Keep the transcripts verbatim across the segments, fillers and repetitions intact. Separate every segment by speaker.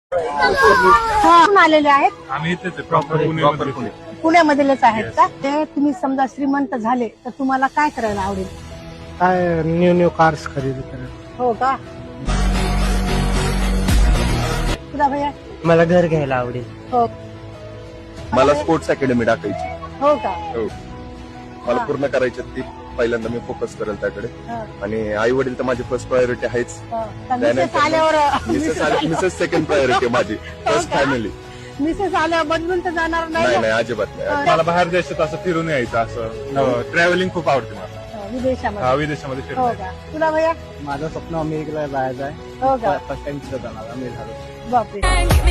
Speaker 1: हा, कुठून आलेले आहेत?
Speaker 2: आम्ही इथेच आहे, प्रॉपर पुणे पुणे
Speaker 1: पुण्यामधलेच आहेत का? ते तुम्ही समजा श्रीमंत झाले तर तुम्हाला काय करायला आवडेल?
Speaker 3: काय न्यू न्यू कार्स खरेदी करायला.
Speaker 1: हो का? तुला भैया?
Speaker 3: मला घर घ्यायला आवडेल.
Speaker 1: हो.
Speaker 4: मला स्पोर्ट्स अकॅडमी टाकायची.
Speaker 1: हो का?
Speaker 4: हो. मला पूर्ण करायची ती. पहिल्यांदा मी फोकस करेल त्याकडे. आणि आई वडील तर माझी फर्स्ट प्रायोरिटी आहेच.
Speaker 1: मिसेस आल्यावर
Speaker 4: मिसेस मिसेस सेकंड प्रायोरिटी माझी. First family.
Speaker 1: मिसेस आल्यावर बदलून तर जाणार
Speaker 4: नाही
Speaker 1: नाही
Speaker 4: नाही अजिबात नाही.
Speaker 2: मला बाहेर देशात असं फिरून यायचं, असं ट्रॅव्हलिंग खूप आवडते मला.
Speaker 1: ना विदेशामध्ये.
Speaker 2: हा, विदेशामध्ये
Speaker 1: हो
Speaker 2: फिरून
Speaker 1: का? तुला भैया?
Speaker 3: माझं स्वप्न अमेरिकेला जायचं आहे.
Speaker 1: हो का?
Speaker 3: फर्स्ट टाइम जाणार अमेरिका.
Speaker 1: बापरे.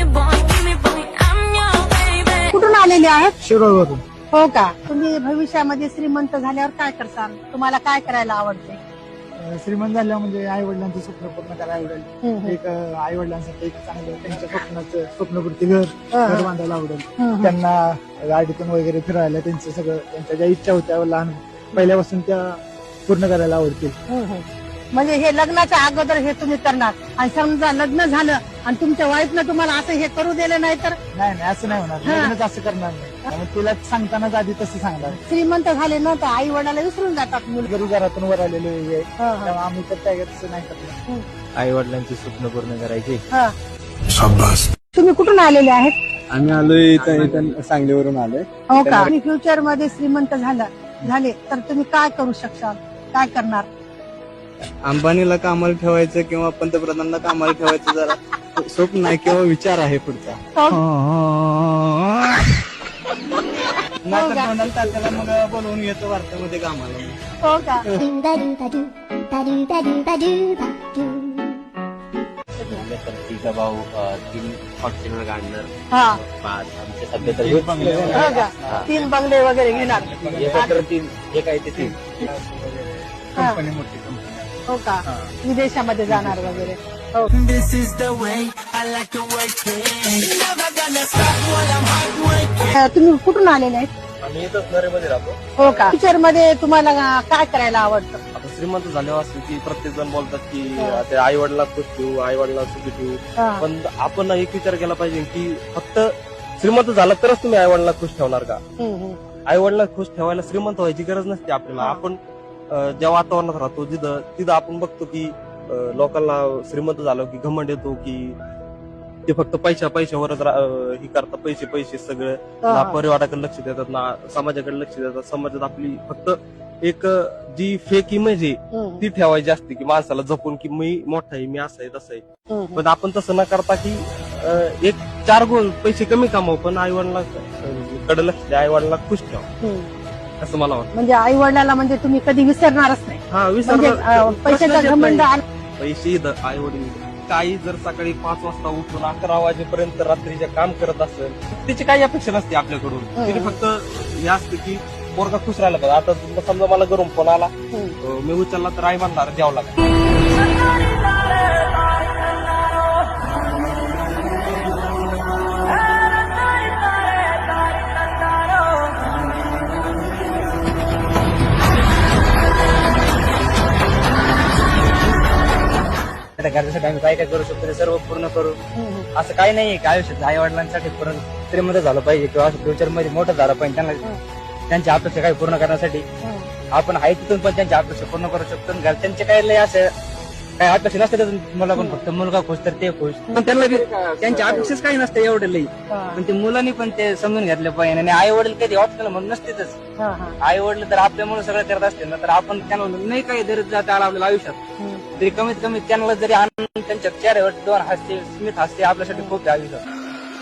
Speaker 1: कुठून आलेले आहेत?
Speaker 3: शिरोळवरून.
Speaker 1: हो का? तुम्ही भविष्यामध्ये श्रीमंत झाल्यावर काय करसाल? तुम्हाला काय करायला आवडते?
Speaker 3: श्रीमंत झाल्यावर म्हणजे आई वडिलांचं स्वप्न पूर्ण करायला आवडेल. एक आई वडिलांसाठी एक चांगलं त्यांच्या स्वप्नाचं स्वप्नपूर्ती घर घर बांधायला आवडेल. त्यांना गाडीतून वगैरे फिरायला त्यांचं सगळं त्यांच्या ज्या इच्छा होत्या लहान पहिल्यापासून त्या पूर्ण करायला आवडतील.
Speaker 1: म्हणजे हे लग्नाच्या अगोदर हे तुम्ही करणार आणि समजा लग्न झालं आणि तुमच्या वाईफनं तुम्हाला असं हे करू दिलं नाही तर?
Speaker 3: नाही नाही असं नाही होणार. लग्नच असं करणार नाही. त्यामुळे तिला सांगतानाच आधी तसं सांगणार.
Speaker 1: श्रीमंत झाले ना तर आई वडिलाला विसरून जातात मुलगा.
Speaker 3: घरी घरातून वर आलेले आहे त्यामुळे आम्ही तर काय तसं नाही करणार. आई वडिलांचे स्वप्न पूर्ण करायचे.
Speaker 1: तुम्ही कुठून आलेले आहेत?
Speaker 3: आम्ही आलोय इथं इथं सांगलीवरून आलोय.
Speaker 1: हो का? तुम्ही फ्युचर मध्ये श्रीमंत झाला झाले तर तुम्ही काय करू शकशाल? काय करणार?
Speaker 3: अंबानीला कामाला ठेवायचं किंवा पंतप्रधानांना कामाला ठेवायचं जरा स्वप्न आहे किंवा विचार आहे पुढचा. डोनाल्ड तात्याला मग बोलवून येतो वार्तामध्ये कामाला.
Speaker 1: हो का?
Speaker 5: तिचा भाऊ तीन फॉर्च्युनर काढणार.
Speaker 1: हा.
Speaker 5: आमच्या सध्या तर
Speaker 1: हो का? तीन बंगले वगैरे घेणार.
Speaker 5: एकत्र तीन जे काही ते तीन.
Speaker 3: कंपनी मोठी कंपनी.
Speaker 1: हो का? विदेशामध्ये जाणार वगैरे. हो. तुम्ही कुठून आलेले आहेत?
Speaker 5: आम्ही येतच नरेमध्ये राहतो.
Speaker 1: हो का? फ्युचर मध्ये तुम्हाला काय करायला आवडतं?
Speaker 5: आता श्रीमंत झाल्यावर असं की प्रत्येक जण बोलतात की ते आई वडिला खुश ठेवू, आई वडिला सुखी ठेवू. पण आपण एक विचार केला पाहिजे की फक्त श्रीमंत झाला तरच तुम्ही आई वडिला खुश ठेवणार का? आई वडिला खुश ठेवायला श्रीमंत व्हायची गरज नसते आपल्याला. आपण ज्या वातावरणात राहतो जिथं तिथं आपण बघतो की लोकांना श्रीमंत झालो की घमंड येतो की ते फक्त पैशा पैशावरच हे करतात. पैसे पैसे सगळं ना परिवाराकडे लक्ष देतात ना समाजाकडे लक्ष देतात. समाजात आपली फक्त एक जी फेक इमेज आहे ती ठेवायची असते की माणसाला जपून की मी मोठा आहे, मी असं आहे तसं आहे. पण आपण तसं न करता की एक चार गुण पैसे कमी कमावू पण आई वडिला कडे लक्ष द्या, आई वडिला खुश ठेवा असं मला वाटतं.
Speaker 1: म्हणजे आई वडिलाला म्हणजे तुम्ही कधी विसरणारच नाही.
Speaker 5: हा
Speaker 1: म्हणजे पैशाचा घमंड.
Speaker 5: पैसे आई वडील काही जर सकाळी पाच वाजता उठून अकरा वाजेपर्यंत रात्रीचे काम करत असेल त्याची काही अपेक्षा नसते आपल्याकडून. तिने फक्त हे असतं की पोरगा खुश राहिला पाहिजे. आता समजा मला घरून फोन आला मी उचलला तर आई म्हणणार द्यावं लागेल.
Speaker 3: घरासाठी आम्ही काय काय करू शकतो ते सर्व पूर्ण करू. असं काही नाहीये की आयुष्यात आई वडिलांसाठी पूर्ण श्रीमंत झालं पाहिजे किंवा फ्युचर मध्ये मोठं झालं पाहिजे. त्यांना त्यांच्या अपेक्षा काही पूर्ण करण्यासाठी आपण आहे तिथून पण त्यांच्या अपेक्षा पूर्ण करू शकतो. घरच्यांचे काही लय असं काही अपेक्षा नसते मला पण फक्त मुलगा खुश तर ते खुश. पण त्यांना त्यांच्या अपेक्षाच काही नसते एवढे लई. पण ते मुलांनी पण ते समजून घेतलं पाहिजे. आणि आई वडील कधी ऑप्शनल म्हणून नसतेच. आई वडील तर आपल्यामुळे सगळं करत असते ना तर आपण त्यांना नाही काही दरीत जाता आला आपल्याला आयुष्यात तरी कमीत कमी त्यांना जरी आनंद त्यांच्या चेहऱ्यावर दोन हास्य स्मित हास्य आपल्यासाठी खूप आहे आयुष्यात.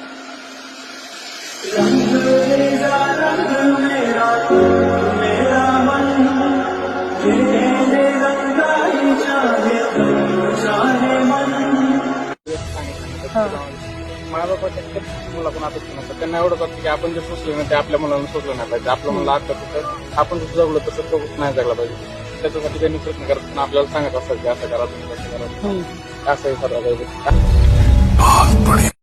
Speaker 6: मायबापाच्या मुलाकडून अपेक्षा नसतात. त्यांना एवढं करतो की आपण जे सोचलं ना ते आपल्या मुलांना सोचलं नाही पाहिजे. आपल्या मुलाला आठ तर आपण जसं जगलो तसं तो नाही जगला पाहिजे. त्याच्यासाठी त्यांनी प्रयत्न करतात आपल्याला सांगत असतात की असं करा तुम्ही कसं करा असं हे सर्व काही.